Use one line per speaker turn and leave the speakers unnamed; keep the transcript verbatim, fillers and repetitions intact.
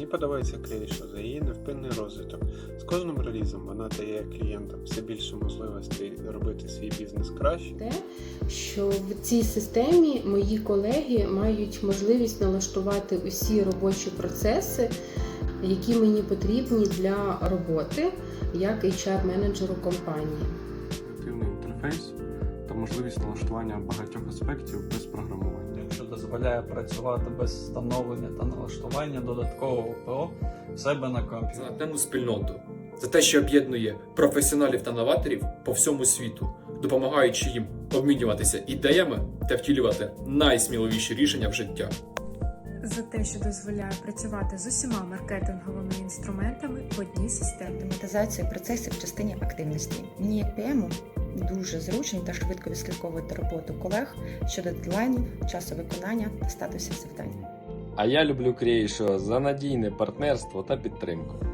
Мені подобається Creation за її невпинний розвиток. З кожним релізом вона дає клієнтам все більше можливостей робити свій бізнес краще.
Те, що в цій системі мої колеги мають можливість налаштувати усі робочі процеси, які мені потрібні для роботи як ейч ар-менеджеру компанії.
Інтуїтивний інтерфейс та можливість налаштування багатьох аспектів без програмування.
Що дозволяє працювати без встановлення та налаштування додаткового ПО в себе на комп'ютері.
За нативну спільноту, за те, що об'єднує професіоналів та новаторів по всьому світу, допомагаючи їм обмінюватися ідеями та втілювати найсміливіші рішення в життя.
За те, що дозволяє працювати з усіма маркетинговими інструментами в одній системі.
Автоматизація процесів в частині активності. Мені як пі ему дуже зручно та швидко відслідковувати роботу колег щодо дедлайнів, часу виконання та статусів завдань.
А я люблю Creation за надійне партнерство та підтримку.